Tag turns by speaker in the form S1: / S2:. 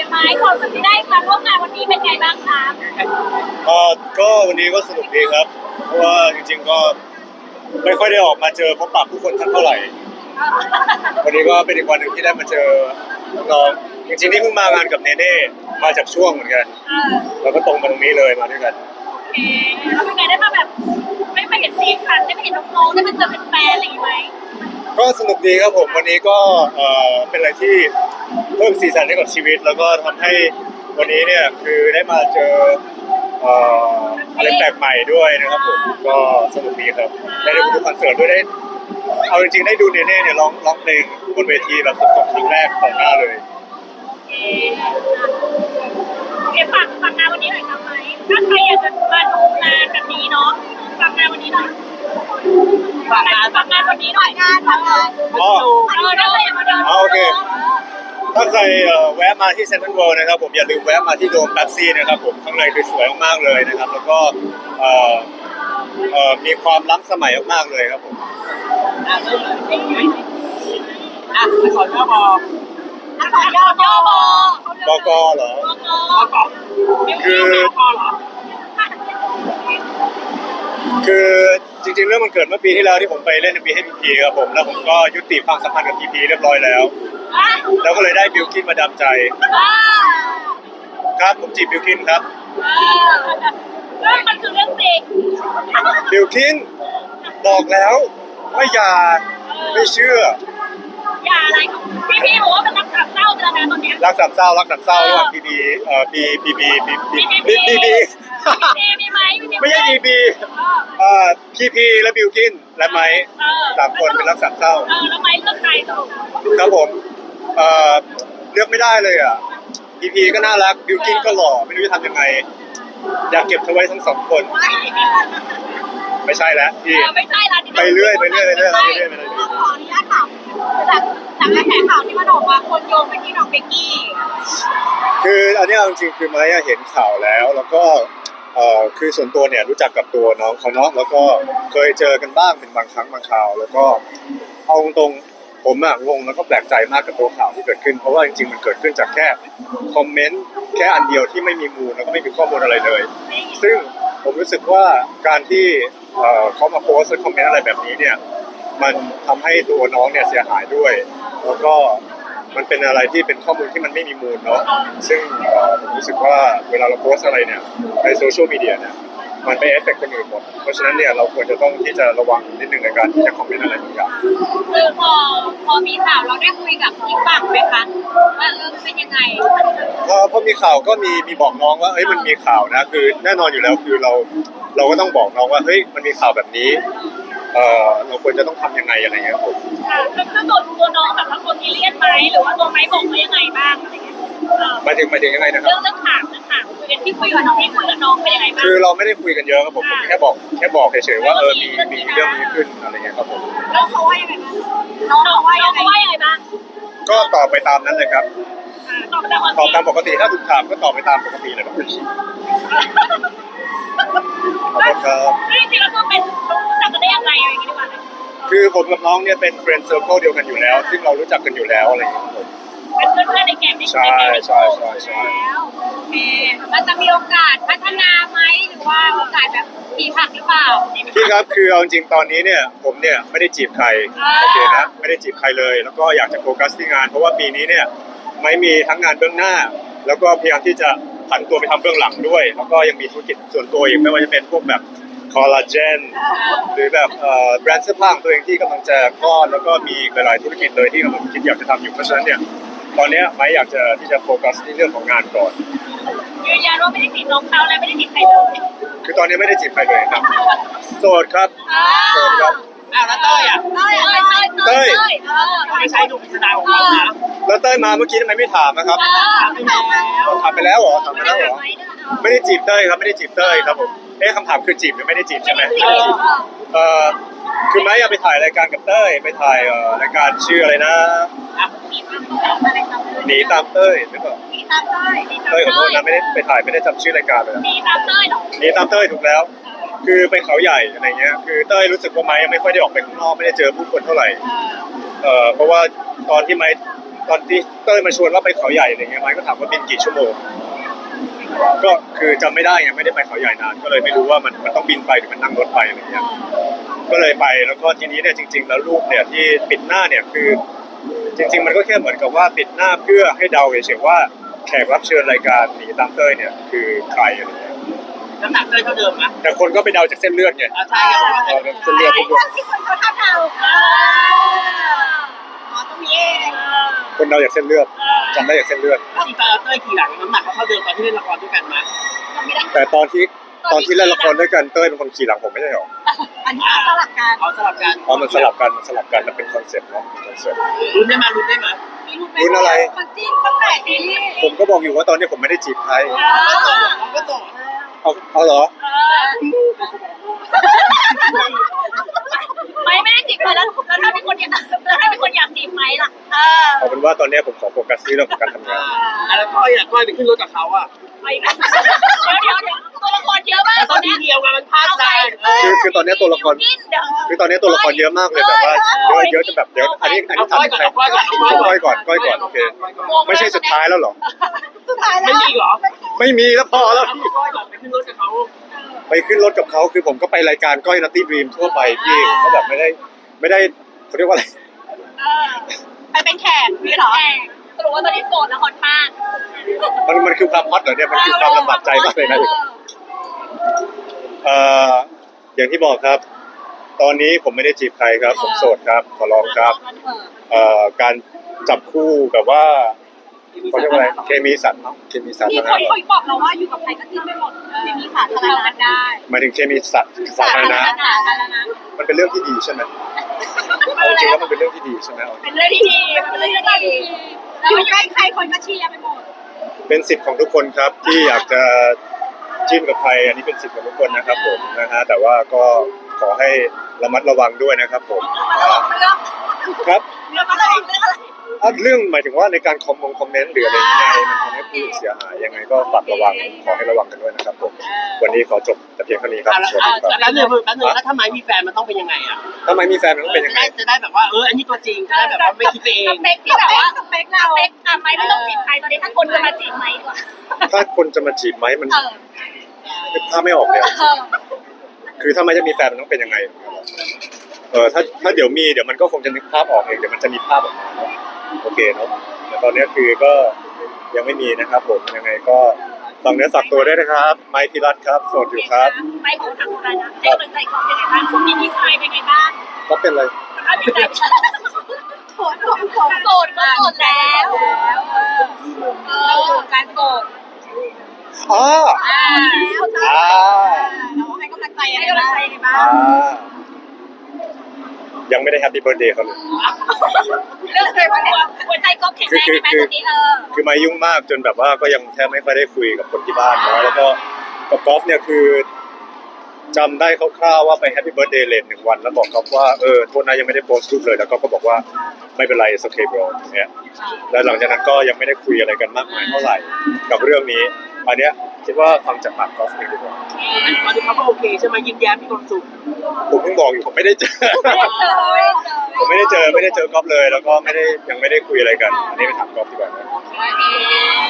S1: ไหมความรู้สึกที่ได้มาร่วมงานวันนี้เป็นไงบ้างคะ
S2: ก็วันนี้ก็สนุกดีครับเพราะว่าจริงๆก็ไม่ค่อยได้ออกมาเจอพบปะผู้คนทักเท่าไหร่วันนี้ก็เป็นอีกวันหนึ่งที่ได้มาเจอน้องๆจริงๆนี่เพิ่งมางานกับเนเน่มาจากช่วงเหมือนกันแล้วก็ตรงมาตรงนี้เลยมาด้วยกัน
S1: โอเคแล้วเป็นไงได้มาแบบไม่เห็นซีคันได้มาเห็นน้องๆได้มาเจอเป็นแฟนอะไรอย่างงี้ไหม
S2: ก็สนุกดีครับผมวันนี้ก็เป็นอะไรที่เพิ่มสีสันให้กับชีวิตแล้วก็ทำให้วันนี้เนี่ยคือได้มาเจอเอ่อะไรแปลกใหม่ด้วยนะครับผมก็สนุกดีครับได้ดูคอนเสิร์ตด้วยได้เอาจริงๆได้ดูเนเน่เนี่ยร้องเพลงบนเวทีแบบสดๆครั้งแรกต่อหน้าเลย
S1: โอเคฝากงานวันนี้หน่อยครับไหมถ้าใครอยากจะมาดูงานแบบนี้เนาะฝากงานวันนี้หน่อยฝากงานวันนี้หน่อยฝากงาน
S2: อ๋อ
S1: ถ้าใครอยากมาเดิน
S2: โอเคถ้าใครแวะมาที่เซ็นทรัลเวิลด์นะครับผมอย่าลืมแวะมาที่โดมแป๊บซี่นะครับผมข้างในคือสวยมากๆเลยนะครับแล้วก็เอ่อมีความล้ำสมัยมากๆเลยครับผม
S3: อักษรย่อบอ
S1: อักษรย่อบ
S2: บกเหรอคือคือจริงๆเรื่องมันเกิดเมื่อปีที่แล้วที่ผมไปเล่นในปีให้พีพีครับผมแล้วผมก็ยุติความสัมพันธ์กับพีพีเรียบร้อยแล้วแล้วก็เลยได้บิลกินมาดามใจครับผมจีบบิลกินครับ
S1: เรื่องมันคือเรื่องจริง
S2: บิลกินบอกแล้วว่าอย่าไม่เชื่อ
S1: อย่าอะไรของพี่บอกว่าเป็นรักสามเศร้าไปแล้วนะตอนนี้
S2: รักสามเศร้าระหว่างพีพี
S1: มีไหม
S2: ไม่ใช่พีพีพีพีและบิลกินและไม้สามคนเป็นรักสามเศร้า
S1: แล้วไม้เลือกใครต่อ
S2: ครับผมเลือกไม่ได้เลยอ่ะพีพีก็น่ารักบิลกินก็หล่อไม่รู้จะทำยังไงอยากเก็บเธอไว้ทั้งสองคนไม่ใช่แล้วพี่
S1: ไม่ใช่ละ
S2: ไปเรื่อย
S1: ขออนุญาตถามจากกระแสข่าวที่มันออกมาคนโยงไปที่น้องเบกกี้
S2: คืออันนี้จริงๆคือไม้เห็นข่าวแล้วก็คือส่วนตัวเนี่ยรู้จักกับตัวน้องเขาเนาะแล้วก็เคยเจอกันบ้างเป็นบางครั้งบางคราวแล้วก็เอาตรงๆผมงงแล้วก็แปลกใจมากกับตัวข่าวที่เกิดขึ้นเพราะว่าจริงๆมันเกิดขึ้นจากแค่คอมเมนต์แค่อันเดียวที่ไม่มีมูลแล้วก็ไม่มีข้อมูลอะไรเลยซึ่งผมรู้สึกว่าการที่เขามาโพสต์คอมเมนต์อะไรแบบนี้เนี่ยมันทำให้ตัวน้องเนี่ยเสียหายด้วยแล้วก็มันเป็นอะไรที่เป็นข้อมูลที่มันไม่มีมูลเนาะซึ่งผมรู้สึกว่าเวลาเราโพสอะไรเนี่ยในโซเชียลมีเดียเนี่ยมันไปเอฟเฟกต์คนอื่นหมดเพราะฉะนั้นเนี่ยเราควรจะต้องที่จะระวังนิดนึงในการที่จะคอมเมนต์อะไรบางอย่าง
S1: คือพอมีข่าวเราได้คุยกับอีกฝั่งไหมคะว่าเป็นยังไง
S2: พอมีข่าวก็มีบอกน้องว่าเอ้ยมันมีข่าวนะคือแน่นอนอยู่แล้วคือเราก็ต้องบอกน้องว่าเฮ้ยมันมีข่าวแบบนี้เราควรจะต้องทำยังไงอะไรเงี้ยครับผม
S1: คือตัวน้องแบบว่าคนที่เลียนไหมหรือว่าตัวไม้บอกว่ายังไงบ้างอะไรเงี้ย
S2: หมายถึงยังไงนะครับ
S1: เรื่องถามคุยกันที่คุยกับน้องเป็นยังไงบ้าง
S2: คือเราไม่ได้คุยกันเยอะครับผมแค่บอกเฉยๆว่ามีเรื่องนี้ขึ้นอะไรเงี้ยครับผม
S1: แล้วเขาว่ายังไงบ้างน้องว่ายังไงบ้าง
S2: ก็ตอบไปตามนั้นเลยครับ
S1: ตอบ
S2: ตามปกติถ้าถูกถามก็ตอบไปตามปกติเลยครับขอบคุณครับ
S1: จริงๆแล้วก็เป็นรู้จักกันได้ยังไงอะไรอย่างเงี้ยดีกว่า
S2: คือผมกับน้องเนี่ยเป็นเฟรนด์เซอร์เคิลเดียวกันอยู่แล้วซึ่งเรารู้จักกันอยู่แล้วอะไรอย่างเงี้ยครับผม
S1: เป็นเพื่อนในแก๊ง
S2: ใช่
S1: แล้วโอเคมันจะมีโอกาสพัฒนาไหมหรือว่าโอกาสแบบผีผักหรือเปล่า
S2: พี่ครับคือเอาจริงตอนนี้เนี่ยผมเนี่ยไม่ได้จีบใครโอเคนะไม่ได้จีบใครเลยแล้วก็อยากจะโฟกัสที่งานเพราะว่าปีนี้เนี่ยไม่มีทั้งงานเบื้องหน้าแล้วก็พยายามที่จะผันตัวไปทำเบื้องหลังด้วยแล้วก็ยังมีธุรกิจส่วนตัวอีกไม่ว่าจะเป็นพวกแบบคอลลาเจนหรือแบบแบรนด์เสื้อผ้าของตัวเองที่กำลังจะคลอดแล้วก็มีหลายๆธุรกิจเลยที่กำลังคิดอยากจะทำอยู่เพราะฉะนั้นเนี่ยตอนนี้ไม่อยากจะที่จะโฟกัสที่เรื่องของงานก่อน
S1: ยืนยันว่าไม่ได้จีบน้องเขาและไม่ได้จีบใครเลย
S2: คือตอนนี้ไม่ได้จีบใครเลยครับโสดครับโสดครับ
S3: แล้วเต้ยไม่ใช่หนุ่มพิสดารของเรานะ
S2: แล้วเต้ยมาเมื่อกี้ทำไมไม่ถามนะครับถามไปแล้วเหรอไม่ได้จีบเต้ยครับไม่ได้จีบเต้ยครับผมคำถามคือจีบหรือไม่ได้จีบใช่ไหมคือไม้อยากไปถ่ายรายการกับเต้ยไปถ่ายรายการชื่ออะไรนะหนีตามเต้ยหรือเปล่าเต้ยขอโทษนะไม่ได้ไปถ่ายไม่ได้จำชื่อรายการเลย
S1: หนีตามเต้ยหรอ
S2: หนีตามเต้ยถูกแล้วคือไปเขาใหญ่อะไรเงี้ยคือเต้ยรู้สึกว่าไม้ยังไม่ค่อยได้ออกไปข้างนอกไม่ได้เจอผู้คนเท่าไหร่เพราะว่าตอนที่ไม้ตอนที่เต้ยมาชวนว่าไปเขาใหญ่อะไรเงี้ยไม้ก็ถามว่าบินกี่ชั่วโมงก็คือจำไม่ได้ไงไม่ได้ไปเขาใหญ่นานก็เลยไม่รู้ว่ามันต้องบินไปหรือมันนั่งรถไปอะไรเงี้ยก็เลยไปแล้วก็ทีนี้เนี่ยจริง ๆ แล้วรูปเนี่ยที่ปิดหน้าเนี่ยคือจริง ๆ มันก็แค่เหมือนกับว่าปิดหน้าเพื่อให้เดาเฉยๆว่าแขกรับเชิญรายการหนีตามเต้ยเนี่ยคือใครอะไรเงี้ย
S3: น้ำหนักเต้ยเท่าเดิมนะ
S2: แต่คนก็ไปเดาจากเส้นเลือดไง
S3: ใช่เพราะว่า
S2: เส้นเลือด
S1: ไอ้พวกที่คนเขาทำเราอ๋อตรงนี้เอง
S2: คนเดาจากเส้นเลือดจำได้จากเส้นเลือด
S3: จริงๆตอนเต้ยขี่หลังน้ำหนักเขาเท่าเดิมตอนที่เล่นละครด้วยกันมั้ย
S1: จำไม่ได้
S2: แต่ตอนที่เล่นละครด้วยกันเต้ยเป็นคนขี่หลังผมไม่ใช่หรอ
S1: อันนี้สลับกัน
S3: เอาสลับกัน
S2: อ๋อมันสลับกันมันเป็นคอนเซ็ปต์เนาะคอนเซ็ปต์
S3: ลุ้นได้มั้ยลุ้นได้มั้ย
S2: รุ่นอะไร
S1: คนจิ้นตั้งแต่ซีรีส์
S2: ผมก็บอกอยู่ว่าตอนนี้ผมไม่ได้จีบใคร
S3: เราก็ส่ง
S2: เอาเหรอ
S1: ไม่ได้จีบใครแล้วถ้ามีคนอยากจีบไหมล่ะ
S2: เอาเป็นว่าตอนนี้ผมขอโฟกัสที่เรื่องของการทำงาน
S3: แล้วก้อยไปขึ้นรถกับเขาอ่ะ
S1: ไปนะเดี๋ยวตัวละครเยอะมาก
S3: ต
S1: ต
S3: อ
S1: อน น
S3: ที่
S1: นี้
S3: เดียวกันมันพลาดใจ
S2: คือตอนนี้ตัวละครคือตอนนี้ตัวละครเยอะมากเลยแบบว่าเยอะจนแบบเดี๋ยวอันนี้
S3: เอา
S2: ถาม
S3: ก้อยก่อน
S2: ใคร
S3: เอาก้อยก่อน
S2: ก้อยก่อนโอเคไม่ใช่สุดท้ายแล้วเหรอ
S1: สุดท้ายแล้ว
S3: ไม่มีเหรอ
S2: ไม่มีแล้วพอแล้ว
S3: เอาก้อยก่อนไปขึ้นรถกับเขา
S2: ไปขึ้นรถกับเขาคือผมก็ไปรายการก้อยนัตตี้ดรีมทั่วไปพี่ก็แบบไม่ได้เขาเรียกว่าอะไร
S1: ไปเป็นแขกพี่เหรอสรุปว่าตอนนี้โสดแล้วฮอตมาก
S2: มันคือความฮอตเหรอเนี่ยมันคือความลำบากใจมากเลยนะอย่างที่บอกครับ ตอนนี้ผมไม่ได้จีบใครครับ ผมโสดครับขอร้องครับการจับคู่แบบว่าเขาเรียกว่าอะไรเคมีสัตว์เนาะเคมีสัตว์
S1: มี
S2: นะ
S1: คน
S2: ครับ
S1: เคยบอกเราว่าอยู่กับใครก็จิ้นไม่หมดมีสาธารณะได้
S2: หมายถึงเคมีสัตว์สาธารณะมันเป็นเรื่องที่ดีใช่ไหมเอาจริงแล้วมันเป็นเรื่องที่ดีใช่ไหม
S1: เป็นเรื่องที่ดีเป็นเรื่องที่ดีอยู่ใกล้ใครคนก็เชียร์ไปหมด
S2: เป็นสิทธิ์ของทุกคนครับที่อยากจะจิ้นกับใครอันนี้เป็นสิทธิ์ของทุกคนนะครับผมนะฮะแต่ว่าก็ขอให้ระมัดระวังด้วยนะครับผมครับ
S1: เรื่องอะไรเรื่องอะไร
S2: เรื่องหมายถึงว่าในการคอมเมนต์หรืออะไรยังไงมันทำให้ผู้อื่นเสียหายยังไงก็ฝากระวังขอให้ระวังกันด้วยนะครับผมวันนี้ขอจบแต่เพียงเท่านี้ครับสวัสดีครับ
S3: แล้วแล้วถ้าไม้มีแฟนมันต้องเป็นยังไงอ่ะ
S2: ทำไมมีแฟนมันต้องเป็นยังไง
S3: จะได้แบบว่าอันนี้ตัวจริงจะได้แบบว่าไม่คิดเอง
S1: สเปคที่แบบว่าสเปคเราไม่ต้องจีบใครตอนนี้ถ้าคนจะมาจีบไหมดีกว่า
S2: ถ้าคนจะมาจีบไหมมันถ้าไม่ออกเลยคือถ้าไม่จะมีแฟนมันต้องเป็นยังไงถ้าเดี๋ยวมันก็คงจะนึกภาพออกเองเดี๋ยวมันจะมีภาพออกมาเนาะโอเคเนาะแต่ตอนนี้คือก็ยังไม่มีนะครับผมยังไงก็ฝากเนื้อฝากตัวด้วยนะครับไมค์พิรัตครับโสดอยู่ครับ
S1: ไม่ของทางการนะให้กำลังใจเขาเป็นไงบ้างช่วงนี้พี่ชายเป็นไงบ้าง
S2: ก็เป็นอะไร
S1: ถ้ามีใจโสดก็โสดแล้วการโสด
S2: อ๋อ
S1: แล้วเราให้กำลังใจยังไงบ้าง
S2: ยังไม่ได้แฮปปี้เบิร์ธเดย์เขาเลย
S1: เรื่องอะไรหัวใจก็แข็งแรงไหมตอนนี้
S2: คือมายุ่งมากจนแบบว่าก็ยังแทบไม่ค่อยได้คุยกับคนที่บ้านเนาะแล้วก็กับกอล์ฟเนี่ยคือจำได้คร่าวๆว่าไปแฮปปี้เบิร์ธเดย์เลท1 วันแล้วบอกกอล์ฟว่าโทษนะยังไม่ได้โพสต์รูปเลยแล้วก็บอกว่าไม่เป็นไรโอเคบรเนี่ยแล้วหลังจากนั้นก็ยังไม่ได้คุยอะไรกันมากมายเท่าไหร่กับเรื่องนี้อันเนี้ยคิดว่าฟังจากปากกอล์ฟเองดีกว่า
S3: ตอนนี้เขาก็โอเคใช่ไหมยิ้มแย้มมีความสุข
S2: ผมเพิ่งบอกอยู่ผมไม่ได้เจอ ผมไม่ได้เจอกอล์ฟเลยแล้วก็ยังไม่ได้คุยอะไรกันอันนี้ไปถามกอล์ฟดีกว่านะ